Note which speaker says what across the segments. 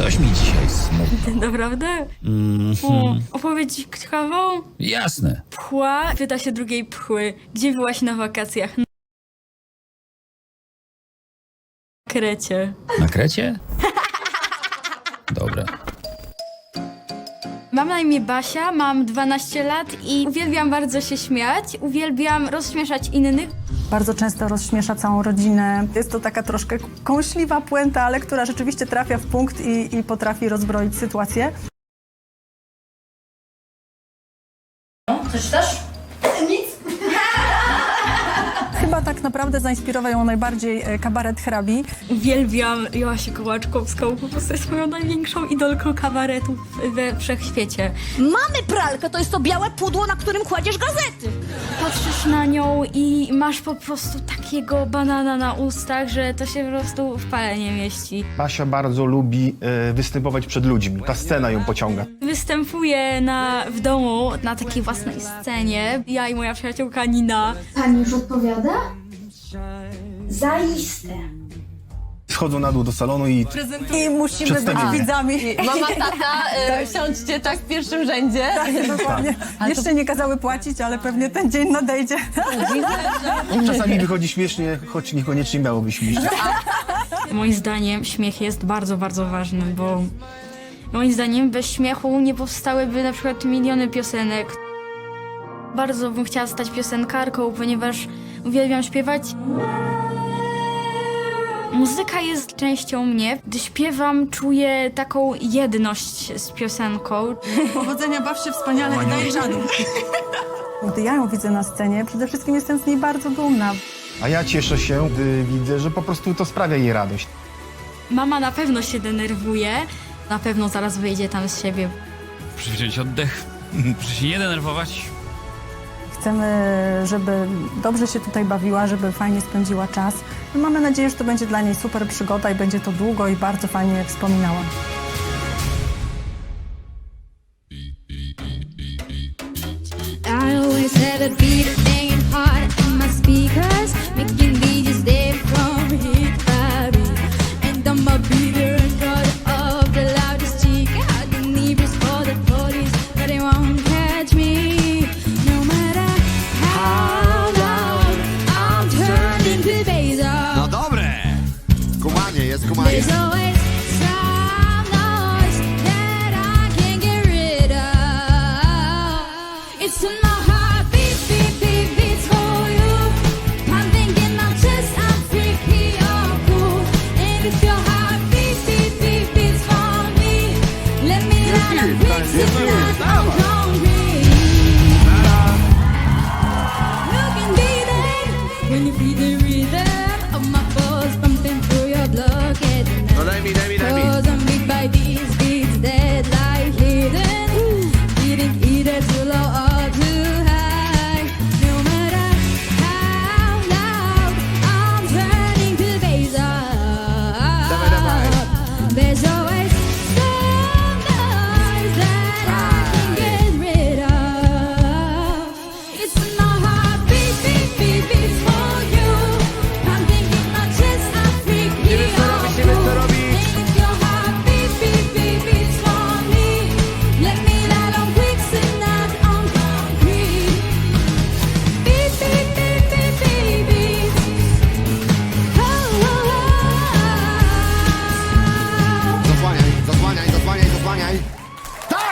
Speaker 1: Coś mi dzisiaj smutno.
Speaker 2: Naprawdę? Opowiedz ciekawą?
Speaker 1: Jasne.
Speaker 2: Pchła pyta się drugiej pchły. Gdzie byłaś na wakacjach? Na Krecie.
Speaker 1: Na Krecie? Dobra.
Speaker 2: Mam na imię Basia, mam 12 lat i uwielbiam bardzo się śmiać, uwielbiam rozśmieszać innych.
Speaker 3: Bardzo często rozśmiesza całą rodzinę. Jest to taka troszkę kąśliwa puenta, ale która rzeczywiście trafia w punkt i potrafi rozbroić sytuację.
Speaker 2: Coś też? Nic.
Speaker 3: Chyba tak naprawdę zainspirował ją najbardziej kabaret hrabi.
Speaker 2: Uwielbiam Joasię Kołaczkowską, po prostu jest moją największą idolką kabaretu we wszechświecie.
Speaker 4: Mamy pralkę, to jest to białe pudło, na którym kładziesz gazety.
Speaker 2: Patrzysz na nią i masz po prostu takiego banana na ustach, że to się po prostu w pale nie mieści.
Speaker 5: Basia bardzo lubi występować przed ludźmi. Ta scena ją pociąga.
Speaker 2: Występuję w domu na takiej własnej scenie. Ja i moja przyjaciółka Nina.
Speaker 6: Pani już odpowiada? Zaiste.
Speaker 5: Schodzą na dół do salonu i
Speaker 3: I musimy być
Speaker 5: Przedstawienie.
Speaker 3: widzami.
Speaker 7: Mama, tata, siądźcie tak w pierwszym rzędzie.
Speaker 3: Tak, dokładnie. Jeszcze nie kazały płacić, ale pewnie ten dzień nadejdzie.
Speaker 5: czasami wychodzi śmiesznie, choć niekoniecznie miałoby śmiesznie.
Speaker 2: Moim zdaniem śmiech jest bardzo, bardzo ważny, bo moim zdaniem bez śmiechu nie powstałyby na przykład miliony piosenek. Bardzo bym chciała stać piosenkarką, ponieważ uwielbiam śpiewać. Muzyka jest częścią mnie. Gdy śpiewam, czuję taką jedność z piosenką.
Speaker 3: Powodzenia, baw się wspaniale i daj żadu. Gdy ja ją widzę na scenie, przede wszystkim jestem z niej bardzo dumna.
Speaker 5: A ja cieszę się, gdy widzę, że po prostu to sprawia jej radość.
Speaker 2: Mama na pewno się denerwuje, na pewno zaraz wyjdzie tam z siebie.
Speaker 1: Proszę wziąć oddech. Proszę się nie denerwować.
Speaker 3: Chcemy, żeby dobrze się tutaj bawiła, żeby fajnie spędziła czas. Mamy nadzieję, że to będzie dla niej super przygoda i będzie to długo i bardzo fajnie wspominała.
Speaker 8: I always have a beat banging hard on my speakers, making me just stay from hit by beat. And I'm a beater and cut off the loudest cheek. I didn't even call the police, but they won't catch me. No matter how loud I'm turned into bass.
Speaker 9: No dobre! Kumanie, jest kumanie.
Speaker 8: There's always some noise that I can't get rid of. It's in my heart, beat, beat, beat, beats for you. I'm thinking not just I'm freaky or cool. And if your heart beat, beat, beat, beats for me, let me down and fix it like I'm hungry. You can be there when you feel the rhythm of my pulse pumping through your blood.
Speaker 9: No daj mi.
Speaker 8: Cause I'm beat by these beats that lie hidden. Getting either too low or too high. No matter how loud I'm turning to bass up. There's always some noise that I can get rid of. It's in my heart, beat, beat, beat, beats for you. I'm thinking not just I'm freaky or cool. And if your heart beat, beat, beat, beats for me, let me lie on bricks and not on concrete. Beat, beat, beat, beat, beat, beats. Oh, oh, oh.
Speaker 9: Zasłaniaj. Tak!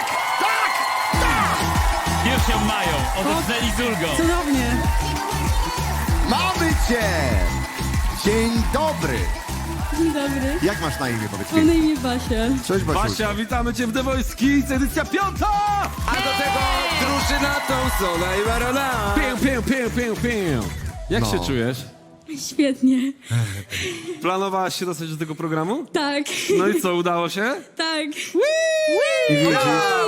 Speaker 1: Już ją mają. Odetchnęli z ulgą.
Speaker 3: Cudownie.
Speaker 9: Mamy cię! Dzień dobry.
Speaker 2: Dzień dobry,
Speaker 9: Jak masz na imię, powiedz
Speaker 2: mam na
Speaker 9: mi?
Speaker 2: imię Basia.
Speaker 9: Cześć, Basiu.
Speaker 10: Basia, witamy cię w The Voice Kids, edycja 5! A do tego drużyna Thompsona i Barona! Pię. Jak się czujesz?
Speaker 2: Świetnie.
Speaker 10: Planowałaś się dostać do tego programu?
Speaker 2: Tak,
Speaker 10: No i co, udało się?
Speaker 2: tak.
Speaker 10: I widzisz?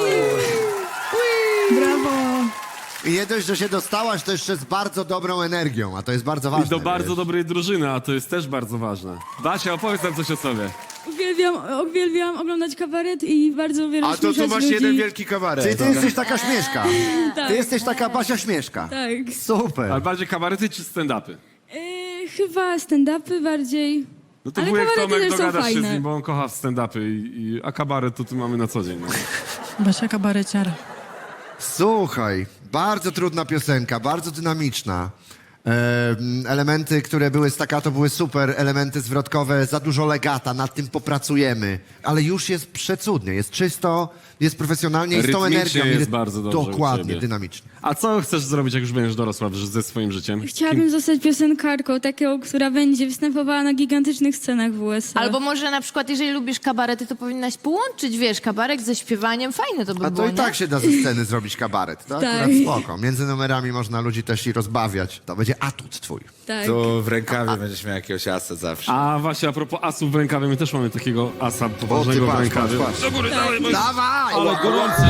Speaker 3: Brawo.
Speaker 9: I nie dość, że się dostałaś, to jeszcze z bardzo dobrą energią, a to jest bardzo ważne.
Speaker 10: I do bardzo
Speaker 9: wiesz?
Speaker 10: dobrej drużyny, a to jest też bardzo ważne. Basia, opowiedz nam coś o sobie.
Speaker 2: Uwielbiam oglądać kabaret i bardzo wiele
Speaker 9: A to tu
Speaker 2: śmieszać
Speaker 9: masz
Speaker 2: ludzi.
Speaker 9: jeden wielki kabaret. Czyli ty jesteś taka śmieszka. Ty jesteś taka Basia śmieszka.
Speaker 2: Tak.
Speaker 9: Super.
Speaker 10: Ale bardziej kabarety czy stand-upy?
Speaker 2: Chyba stand-upy bardziej.
Speaker 10: No to
Speaker 7: Ale
Speaker 10: wujek
Speaker 7: kabarety
Speaker 10: Tomek,
Speaker 7: też są
Speaker 10: dogadasz się z
Speaker 7: fajne.
Speaker 10: nim, bo on kocha stand-upy, a kabaret to tu mamy na co dzień. No.
Speaker 3: Basia kabareciar.
Speaker 9: Słuchaj, bardzo trudna piosenka, bardzo dynamiczna. Elementy, które były staccato, były super, elementy zwrotkowe, za dużo legata, nad tym popracujemy. Ale już jest przecudnie, jest czysto, jest profesjonalnie i z tą
Speaker 10: Rytmicznie
Speaker 9: energią.
Speaker 10: jest bardzo dobrze u
Speaker 9: Dokładnie,
Speaker 10: ciebie.
Speaker 9: dynamicznie.
Speaker 10: A co chcesz zrobić, jak już będziesz dorosła ze swoim życiem?
Speaker 2: Chciałabym zostać piosenkarką, taką, która będzie występowała na gigantycznych scenach w USA.
Speaker 7: Albo może na przykład, jeżeli lubisz kabarety, to powinnaś połączyć, wiesz, kabarek ze śpiewaniem. Fajne to by
Speaker 9: A to
Speaker 7: było,
Speaker 9: i tak
Speaker 7: nie?
Speaker 9: się da ze sceny zrobić kabaret. To
Speaker 2: Tak.
Speaker 9: akurat spoko. Między numerami można ludzi też i rozbawiać. To będzie atut twój.
Speaker 2: Tak.
Speaker 6: Tu w rękawie będziesz miał jakiegoś asa zawsze.
Speaker 10: A właśnie, a propos asów w rękawie, my też mamy takiego asa poważnego w rękawie.
Speaker 9: patrz.
Speaker 10: Do góry, dalej, bo...
Speaker 9: Dawaj!
Speaker 10: Ale gorący!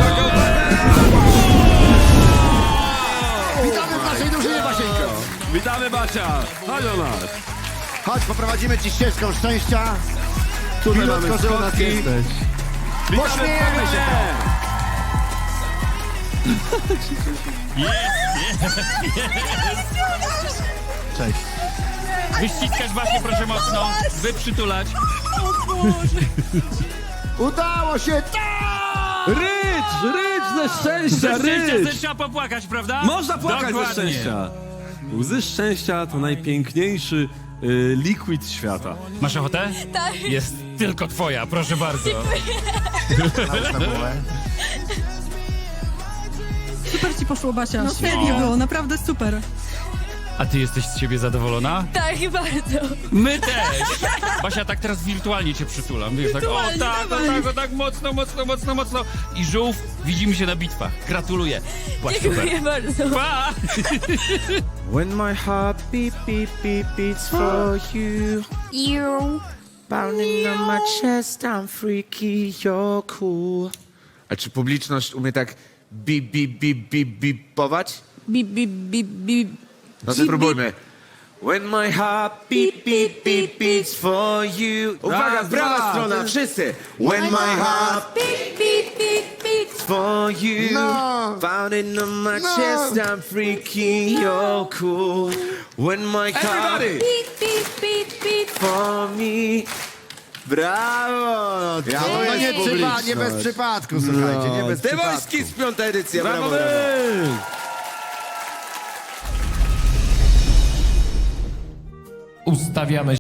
Speaker 9: Witamy w naszej drużynie, Basieńko!
Speaker 10: Witamy, Bacia! Chodź do nas!
Speaker 9: Chodź, poprowadzimy ci ścieżką szczęścia.
Speaker 10: Tutaj
Speaker 9: Milutko,
Speaker 10: mamy
Speaker 9: że u nas
Speaker 10: schodki.
Speaker 9: jesteś. Pośmiejemy się!
Speaker 5: Cześć.
Speaker 1: Wyściskać Basię, proszę mocno. Wyprzytulać.
Speaker 9: Udało się!
Speaker 10: Rycz ze szczęścia,
Speaker 1: Ze szczęścia
Speaker 10: rycz!
Speaker 1: trzeba popłakać, prawda?
Speaker 10: Można płakać ze
Speaker 1: Dokładnie.
Speaker 10: szczęścia. Łzy szczęścia to najpiękniejszy liquid świata.
Speaker 1: Masz ochotę? Tak. Jest tylko twoja, proszę bardzo.
Speaker 5: Nałóż na głowę.
Speaker 3: Super ci poszło, Basia. No świetnie było, naprawdę super.
Speaker 1: A ty jesteś z siebie zadowolona?
Speaker 2: Tak, bardzo.
Speaker 1: My też! Basia, tak teraz wirtualnie cię przytulam. Wiesz, tak, tak, mocno, mocno, mocno, mocno. I żółw, widzimy się na bitwach. Gratuluję. Byłaś super.
Speaker 2: bardzo.
Speaker 1: Pa!
Speaker 6: When my heart beat, beat, beat, beats for you. Pounding on my chest, I'm freaky, you're cool. A czy publiczność umie tak bipować?
Speaker 7: Bip, bip, bip, bip.
Speaker 6: No to spróbujmy. When my heart beat, beat, beat, beats for you. Uwaga, prawa strona, wszyscy. When my heart
Speaker 2: Beep, beep, beep, beep.
Speaker 6: for you.
Speaker 9: No.
Speaker 6: Pounding on my chest, I'm freaky, you're cool. When my heart
Speaker 2: Beep, beep, beep, beep.
Speaker 6: for me. Brawo!
Speaker 9: Ja, no nie bez przypadku, słuchajcie, nie bez
Speaker 6: Te
Speaker 9: przypadku.
Speaker 6: wojski z piąta edycja, brawo,
Speaker 10: Brawo!
Speaker 6: brawo.
Speaker 1: Ustawiamy